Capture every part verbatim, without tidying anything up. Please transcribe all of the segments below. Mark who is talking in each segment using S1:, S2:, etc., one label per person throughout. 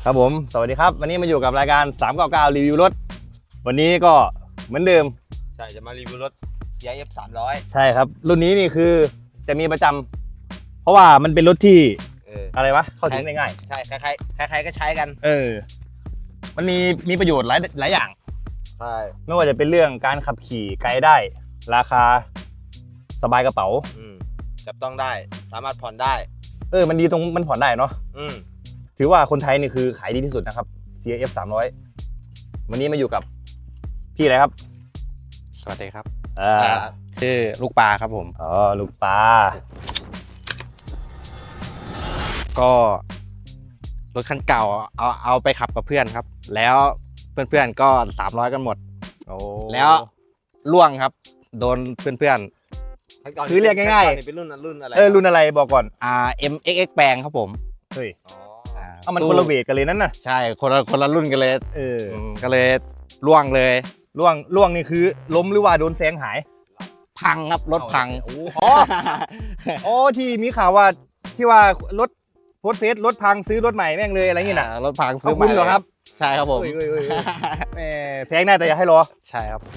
S1: ครับผมสวัสดีครับวันนี้มาอยู่กับรายการสามเก้าเก้ารีวิวรถวันนี้ก็เหมือนเดิม
S2: ใช่จะมารีวิวรถ ซี ไอ เอฟ สามร้อย
S1: ใช่ครับรุ่นนี้นี่คือจะมีประจำเพราะว่ามันเป็นรถที่
S2: เออ
S1: อะไรวะเข้าถึงได้ง่าย
S2: ใช่ใครๆใครๆก็ใช้กัน
S1: เออมันมีมีประโยชน์หลายหลายอย่าง
S2: ใช่
S1: ไม่ว่าจะเป็นเรื่องการขับขี่ไกลได้ ราคาสบายกระเป๋า
S2: อืมจับต้องได้สามารถผ่อนได้
S1: เออมันดีตรงมันผ่อนได้เนาะ
S2: อืม
S1: ถือว่าคนไทยนี่คือขายดีที่สุดนะครับ ซี ไอ เอฟ สามร้อยวันนี้มาอยู่กับพี่อะไรครับ
S3: สวัสดีครับ
S1: อ่า
S3: ชื่อลูกปลาครับผม
S1: อ๋อลูกตา
S3: ก็รถคันเก่าเอาเอาไปขับกับเพื่อนครับ แล้วเพื่อนๆก็สามร้อยกันหมด
S1: โอ้
S3: แล้วล่วงครับ โดนเพื่อน
S1: คือเรียกง่าย
S2: ๆเป็นรุ่นรุ่นอะไร
S1: ๆเออรุ่นอะไรบอกก่อน
S3: ๆ อ่า เอ็ม เอ็กซ์ เอ็กซ์ แปลงครับผม
S1: เฮ้ย
S2: อ๋อ
S3: อ่า
S1: เอามันคนละเวทกันเลยนั่นน่ะ
S3: ใช่คนละคนละรุ่นกันเลย
S1: เออ
S3: อืมก็เลยล่วงเลย
S1: ล่วงล่วงนี่คือล้มหรือว่าโดนแซงหาย
S3: พังครับรถพัง
S1: โอ้อ๋ออ๋อที่มีข่าวว่าที่ว่ารถโพสต์เฟซรถพังซื้อรถใหม่แม่งเลยอะไรอย่างงี้น่ะ
S3: อ่ารถพังซื้
S1: เอา
S3: อให
S1: คุ
S3: ม่
S1: ณเหรอครับ
S3: ใช่ครับผม
S1: เอ้ยเอ้ยเอ้ยเอ้ยแหมแพงแน่แต่อย่าให้รอ
S3: ใช่ครับ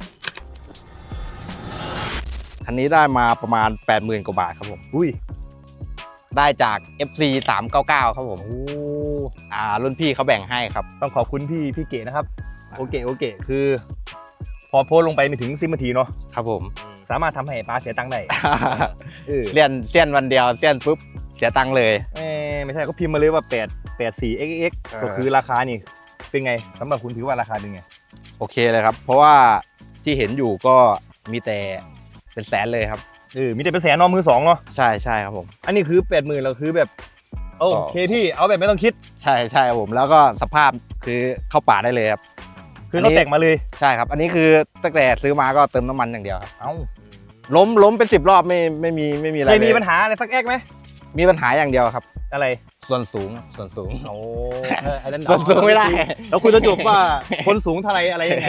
S3: คันนี้ได้มาประมาณ แปดหมื่น กว่าบาทครับผม
S1: อุ้ย
S3: ได้จาก เอฟ ซี สามเก้าเก้าครับผม
S1: โอ้
S3: อ่ารุ่นพี่เขาแบ่งให้ครับ
S1: ต้องขอบคุณพี่พี่เก๋นะครับโอเคโอเคคือ พอโพสต์ลงไปไม่ถึงสิบนาทีเนาะ
S3: ครับผม
S1: สามารถทำให้ป้าเสียตังค์ได้เออ
S3: เสี้ยนเสี้ยนวันเดียวเสี้ยนปุ๊บเสียตังค์เลย
S1: เอ้ยไม่ใช่ก็พิมพ์มาเลยว่า8 84 xx
S3: เออ
S1: ก็คือราคานี่เป็นไงสำหรับคุณถือว่าราคาเป็นไง
S3: โอเคเลยครับ เพราะว่าที่เห็นอยู่ก็มีแต่เป็นแสนเลยครับ
S1: เออมีแต่เป็นแสนเนอมือสองเนาะ
S3: ใช่ใช่ครับผม
S1: อันนี้คือแปดหมื่นเราคือแบบโอเคพี่เอาแบบไม่ต้องคิด
S3: ใช่ใช่ครับผมแล้วก็สภาพคือเข้าป่าได้เลยครับ
S1: คือเขาแต่งมาเลย
S3: ใช่ครับ อันนี้คือตั้งแต่ซื้อมาก็เติมน้ำมันอย่างเดียวครับ
S1: เอ้า
S3: ล้มล้มเป็นสิบรอบไม่ไม่มีไม่มีอะไร
S1: เคยมี
S3: เลย
S1: ปัญหาอะไรสักแอกไหม
S3: มีปัญหาอย่างเดียวครับ
S1: อะไร
S3: ส่วนสูงครับส่วนสูง
S1: โอ้ไอ้นั่น
S3: ส่วนสูงไม่ได้
S1: แล้วคุณจะจบว่าคนสูงเท่าไรอะไรยังไง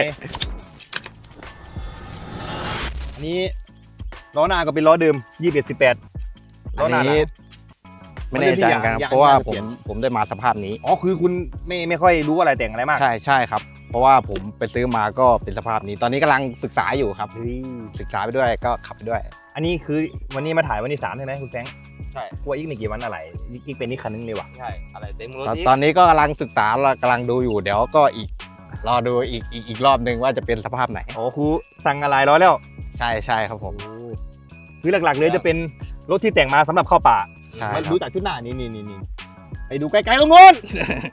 S1: อันนี้ล้อหน้าก็เป็นล้อเดิมยี่สิบเอ็ดสิบแปดล้
S3: อั
S1: อน หน้าหลั
S3: นี้
S1: ง
S3: ไม่แน่ใจกันครับ
S1: อย่าง
S3: เพราะว่า
S1: อย่าง
S3: ผ
S1: เปลี่
S3: ม
S1: ยน
S3: ผมได้มาสภาพนี้
S1: อ๋อคือคุณไม่ไม่ค่อยรู้อะไรแต่งอะไรมาก
S3: ใช่ใช่ครับ เพราะว่าผมไปซื้อมาก็เป็นสภาพนี้ ตอนนี้กำลังศึกษาอยู่ครับ
S1: เฮ้ย
S3: ศึกษาไปด้วยก็ขับไปด้วย
S1: อันนี้คือวันนี้มาถ่ายวันที่สามใช่ไหมคุณแฟรงค์
S2: ใช่
S1: กลัวอีกไม่กี่วันอะไรอีกเป็นนี่คันนึงเลยว่ะ
S2: ใช่อะไรเต็มรถ
S3: ตอน
S2: อีก
S3: ตอนนี้ก็กำลังศึกษาเรากำลังดูอยู่เดี๋ยวก็อีกรอดูอีกอีกอีกรอบหนึ่งว่าจะเป็นสภาพไหน
S1: อ๋อครูสั่งอะไรล้อแล้ว
S3: ใช่ใช่ครับผม
S1: คือหลักๆเลยจะเป็นรถที่แต่งมาสำหรับเข้าป่า
S3: ใช่
S1: มา
S3: ครับ
S1: ดูจากชุดหน้านี่นี่นี่นี่ไปดูไกลๆตรงนู้น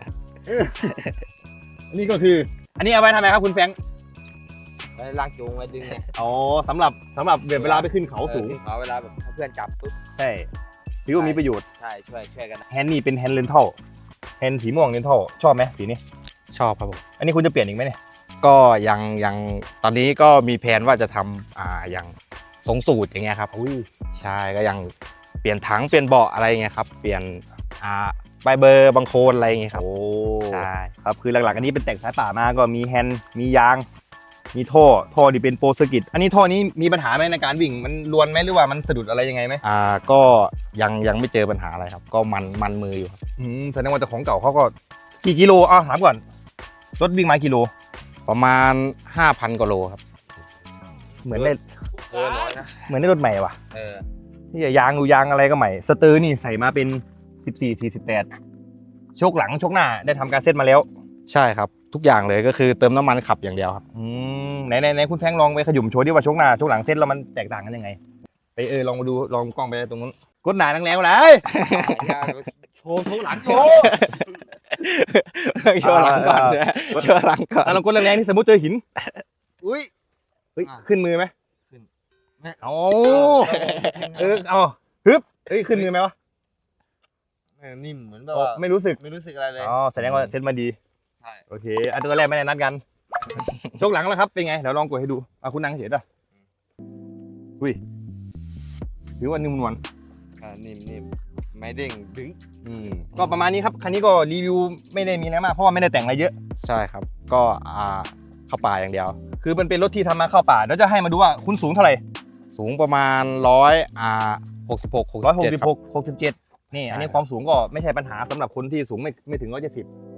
S1: อันนี้ก็คือ อันนี้เอาไว้ทำไมครับคุณแฟรงค์
S2: ไว้ลากจูงไว้ดึงไง
S1: อ๋อสำหรับสำหรับเวลาไปขึ้นเขาสูง
S2: ออขึ้นเขาเวลาแบบเพื่อนจับปุ๊บ
S1: ใช่ถือว่ามีประโยชน์
S2: ใช่ช่วยช่วยกัน
S1: แฮนด์นี่เป็นแฮนด์เลนทัลแฮนด์สีม่วงเลนทัลชอบไหมสีนี้
S3: ชอบครับผม
S1: อันนี้คุณจะเปลี่ยนอีกไหมเนี่ย
S3: ก็ยังยังตอนนี้ก็มีแผนว่าจะทำอ่าอย่างทรงสูตรอย่างเงี้ยครับ
S1: อุ้ย
S3: ใช่ก็ยังเปลี่ยนถังเปลี่ยนเบาะอะไรเงี้ยครับเปลี่ยนอ่าใบเบอร์บางโคนอะไรเงี้ยครับ
S1: โอ้
S3: ใช่
S1: ครับคือหลักๆอันนี้เป็นแต่งสายป่ามาก็มีแฮนด์มียาง มีท่อท่อที่เป็นโปรเซอร์กิตอันนี้ท่อนี้มีปัญหาไหมในการวิ่งมันรวนไหมหรือว่ามันสะดุดอะไรยังไงไหม
S3: อ่าก็ยังยังไม่เจอปัญหาอะไรครับ ก็มันมันมืออยู่ครับ
S1: อืมแสดงว่าเจ้าของเก่าเขาก็กี่กิโลอ่ะถามก่อนรถวิ่งมากิโล
S3: ประมาณ ห้าพันกว่าโลครับ
S1: เหมือนได้
S2: เออน้อยนะ
S1: เหมือนได้รถใหม่ว่ะ
S2: เออ
S1: นี่ยางดูยางอะไรก็ใหม่สเตอร์นี่ใส่มาเป็นสิบสี่ สี่สิบแปดโชคหลังโชคหน้าได้ทำการเซตมาแล้ว
S3: ใช่ครับทุกอย่างเลยก็คือเติมน้ำมันขับอย่างเดียวครับ
S1: อืมไหนไหนไหนคุณแฟงลองไปขยุ่มโชว์ดิว่าโชคหน้าโชคหลังเซตแล้วมันแตกต่างกันยังไงไปเออลองมาดูลองกล้องไปตรงนู้นกดหนาแรงๆเลย
S2: โชว์โชว์หลังโช
S1: โอ้
S2: ว์
S3: โชว์หลังก่อน
S1: อ่า
S3: โชว์หลังก่อน
S1: แล้วลองกดแรงๆที่สมมติเจอหิน
S2: อุ้ย
S1: เฮ้ย
S2: อ่า
S1: ขึ้นมือไหม
S2: ขึ้น
S1: โอ้เออเอาฮึบเฮ้ยขึ้นมือไหมวะ
S2: เออนิ่มเหมือนแบบ
S1: อ๋อ
S2: ว่า
S1: ไม่รู้สึก
S2: ไม่รู้สึกอะไรเลย
S1: อ๋อแสดงว่าเซตมาดี
S2: ใช่
S1: โอเคอันตัวแรกไม่ได้นัดกัน โชคหลังแล้วครับ เป็นไง เดี๋ยวลองกดให้ดูเอาคุณนั่งเฉยด้วยอุ้ยถือว่านิ่มนวล
S2: อ่านิ่มนิ่มไม่เด้งดึง
S1: อืมก็ประมาณนี้ครับ คันนี้ก็รีวิวไม่ได้มีอะไรมาก เพราะว่าไม่ได้แต่งอะไรเยอะ
S3: ใช่ครับ ก็อ่าเข้าป่าอย่างเดียว
S1: คือมันเป็นรถที่ทำมาเข้าป่าเดี๋ยวจะให้มาดูว่าคุณสูงเท่าไหร่
S3: สูงประมาณร้อยอ่าหกสิบหกหก
S1: ร้อยหก
S3: เจ็ด
S1: สิบ
S3: ครั
S1: ห
S3: บ
S1: กหกสิบเจ็ดนี่ อันนี้
S3: ใช่
S1: ความสูงก็ไม่ใช่ปัญหาสำหรับคนที่สูงไม่ไม่ถึงร้อยเจ็ดสิบ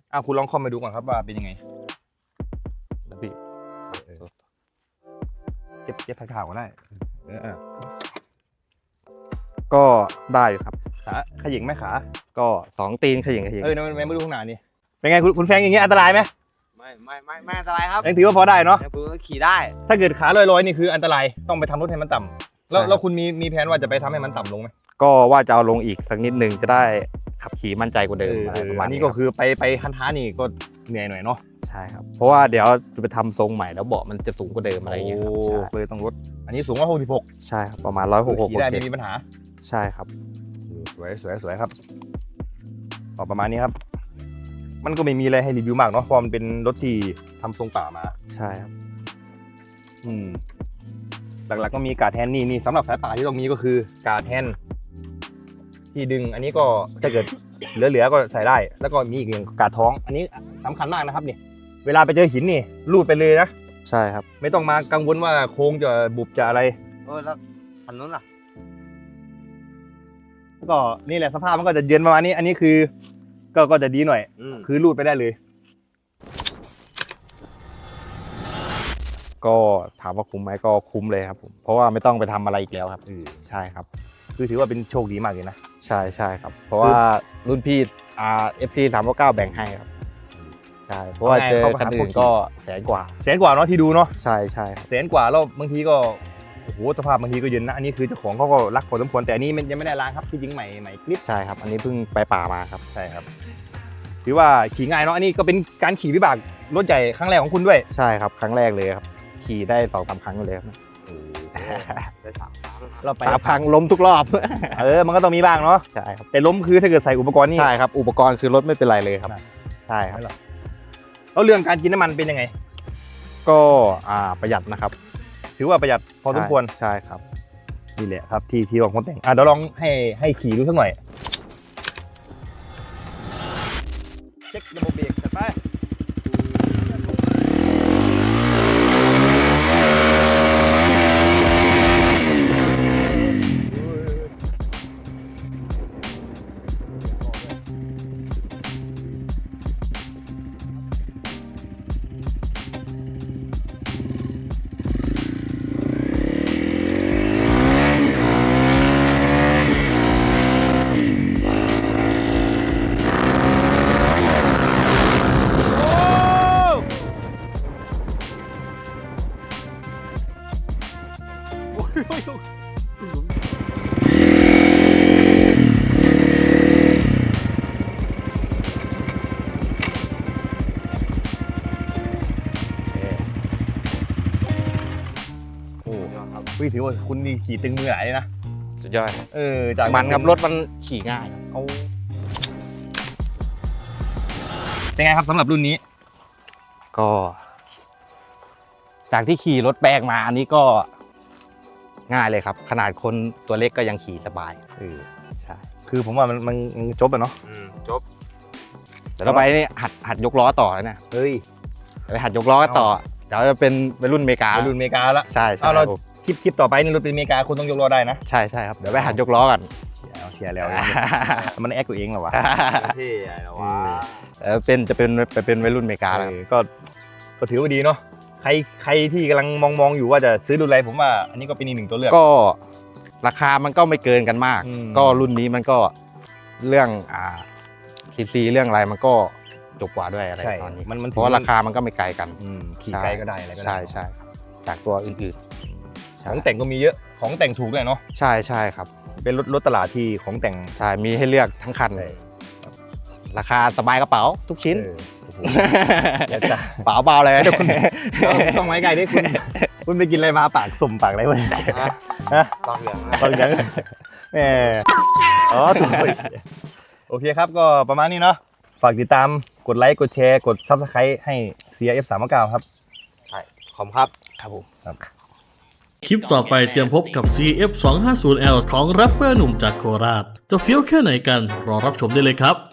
S1: อ่ะคุณลองคอมไปดูก่อนครับว่าเป็นยังไง
S3: แล้วพี่
S1: เจ็บเจ็บทางๆก็ได้เออ
S3: ก็ได้อยู่ครับ
S1: ขาขยิงไหมขา
S3: ก็สองตีนเขย่งเขย่ง
S1: เออไม่ไม่ดูข้างหน้านี่เป็นไงคุณคุณแฟงอย่างเงี้ยอันตรายไหม
S2: ไม่ไม่ไม่ไม่อันตรายครับ
S1: ยังถือว่าพอได้เนาะ
S2: เนี่ยผมก็ขี่ได้
S1: ถ้าเกิดขาลอยๆนี่คืออันตรายต้องไปทำรถให้มันต่ำแล้วแล้วคุณมีมีแผนว่าจะไปทำให้มันต่ำลงไหม
S3: ก็ว่าจะเอาลงอีกสักนิดนึงจะได้ขับขี่มั่นใจกว่าเดิมอะไรประมาณ
S1: อัน
S3: นี้
S1: นี้
S3: ค
S1: ก็
S3: รับ
S1: คือไปไปฮันท้านี่ก็เหนื่อยหน่อยเนาะ
S3: ใช่ครับ เพราะว่าเดี๋ยวจะไปทำทรงใหม่แล้วเบาะมันจะสูงกว่าเดิมอะไรอย่างเงี้ยครับ
S1: โอ้
S3: ใช่
S1: เลยต้องลดอันนี้สูงว่าหกสิบหก
S3: ใช่ครับประมาณร้อยหกหก
S1: ขี่ได้
S3: เจ็
S1: ไม่
S3: ด
S1: มีปัญหา
S3: ใช่ครับ
S1: สวยสวยสวยครับก็ประมาณนี้ครับ มันก็ไม่มีอะไรให้รีวิวมากเนาะเพราะมันเป็นรถที่ทำทรงป่ามา
S3: ใช่ครับ
S1: อืมหลักๆก็มีการ์ดแฮนด์นี่นี่สำหรับสายป่าที่ต้องมีก็คือการ์ดแฮนด์ที่ดึงอันนี้ก็ถ้าเกิดเหลือๆก็ใส่ได้ แล้วก็มีอีกอย่างการ์ดท้อง อันนี้สำคัญมากนะครับนี่เวลาไปเจอหินนี่ลูดไปเลยนะ
S3: ใช่ครับ
S1: ไม่ต้องมากังวลว่าโค้งจะบุบจะอะไร
S2: เออแล้วคันนู้นล่ะ
S1: ก็นี่แหละสภาพมันก็จะเย็นประมาณนี้ อันนี้คือ ก็ก็จะดีหน่อย
S2: อืม
S1: คือลูดไปได้เลย
S3: ก็ถามว่าคุ้มไหมก็คุ้มเลยครับผมเพราะว่าไม่ต้องไปทำอะไรอีกแล้วครับใช่ครับ
S1: คือถือว่าเป็นโชคดีมากเลยนะ
S3: ใช่ใช่ครับ เพราะว่ารุ่นพี่อ่า เอฟ ซี สามเก้าแบ่งให้ครับใช่เพราะว่าเจอคันอื่นก็แสนกว่า
S1: แสนกว่าเนาะที่ดูเนาะ
S3: ใช่ใช่ครับ
S1: แสนกว่าแล้วบางทีก็โอ้โหสภาพบางทีก็เย็นนะอันนี้คือเจ้าของเขาก็รักพอสมควรแต่อันนี้มันยังไม่ได้ล้างครับที่จริงใหม่ใหม่คลิป
S3: ใช่ครับ อันนี้เพิ่งไปป่ามาครับ
S1: ใช่ครับถือว่าขี่ง่ายเนาะอันนี้ก็เป็นการขี่วิบากรถใหญ่ครั้งแรกของคุณด้วย
S3: ใช่ครับครั้งแรกเลยครับขี่ได้สองสามครั้งเลยครับ
S2: ได้สามครั้ง
S1: เราไป
S3: สามครั้งล้มทุกรอบ
S1: เออมันก็ต้องมีบ้างเนาะ
S3: ใช่ครับ
S1: แต่ล้มคือถ้าเกิดใส่อุปกรณ์นี่
S3: ใช่ครับอุปกรณ์คือรถไม่เป็นไรเลยครับ
S1: นะ
S3: ใช่ครับ
S1: แล้วเรื่องการกินน้ำมันเป็นยังไง
S3: ก็อ่าประหยัดนะครับ
S1: ถือว่าประหยัดพอสมควร
S3: ใช่ครับ
S1: นี่แหละครับที่ที่ของคนแต่งอ่ะเดี๋ยวลองให้ให้ขี่ดูสักหน่อยเช็คระบบเบรกจัดไปโอ้ครับพี่ถือว่าคุณนี่ขี่ตึงมือหลายเลยนะ
S3: สุดยอดครับ
S1: เออจาก
S3: มันครับรถมันขี่ง่ายครับ
S1: เอาเป็นไงครับสำหรับรุ่นนี้
S3: ก็ จากที่ขี่รถแปลกมาอันนี้ก็ง่ายเลยครับ ขนาดคนตัวเล็กก็ยังขี่สบาย
S1: เออ
S3: ใช่
S1: คือผมว่ามันมันมันจบอะเนาะ
S2: อืมจบ
S3: แต่ต่อไปนี่หัดหัดยกล้อต่อแล้วนะ
S1: เฮ้ย
S3: ไปหัดยกล้อต่อเดี๋ยวจะเป็นวัยรุ่นอเมริกา
S1: ไปรุ่นอเมริกาละ
S3: ใช่ใช่
S1: เอาเรา
S3: ครับผม
S1: คลิปคลิปต่อไปนี่รถเป็นอเมริกาคุณต้องยกล้อได้นะ
S3: ใช่ใช่ครับเดี๋ยวไปหัดยกล้อกัน
S1: เอาเชียร์แล้ว มันแอคตัวเองเหรอวะ
S2: เท่อะไรวะ
S3: เออเป็นจะเป็นไปเป็นวัยรุ่นอเมริกาแล้ว
S1: เออก็ก็ถือว่าดีเนาะใครใครที่กำลังมองมองอยู่ว่าจะซื้อรุ่นอะไรผมว่าอันนี้ก็เป็นอีกหนึ่งตัวเลือก
S3: ก็ราคามันก็ไม่เกินกันมาก
S1: อืม
S3: ก็รุ่นนี้มันก็เรื่องอ่าซีซีเรื่องอะไรมันก็จบกว่าด้วยอะไร
S1: ใช่
S3: ตอนนี้
S1: มันมัน
S3: เพราะว่าราคามันก็ไม่ไกลกัน
S1: อืมขี่ไกลก็ได้อะไรก็ได้
S3: ใช่ใช่ครับจากตัวอื่นๆ
S1: ของแต่งก็มีเยอะของแต่งถูกเลยเนาะ
S3: ใช่ใช่ครับ
S1: เป็นรถรถตลาดที่ของแต่ง
S3: ใช่มีให้เลือกทั้งคัน
S1: ใช่
S3: ราคาสบายกระเป๋าทุกชิ้น
S1: เออโอ้โหอยากจะ
S3: เป๋าเบาเลย
S1: ต้องต้องไว้ไกลด้วยคุณคุณไปกินอะไรมาปากสุ่มปากอะไรวะ
S2: ฮะ
S1: ฮะ
S2: ตอนเหลือง
S1: บางอย่างแหมอ๋อถูกโอเคครับก็ประมาณนี้เนาะฝากติดตามกดไลค์กดแชร์กด ซับสไครบ์ ให้ ซี อาร์ เอฟ สามเก้าครับ
S2: ใช่ขอบคุณครับ
S3: ครับผม
S4: คลิปต่อไปเตรียมพบกับ ซี เอฟ สองห้าศูนย์ แอล ของแรปเปอร์หนุ่มจากโคราช จะเฟี้ยวแค่ไหนกัน รอรับชมได้เลยครับ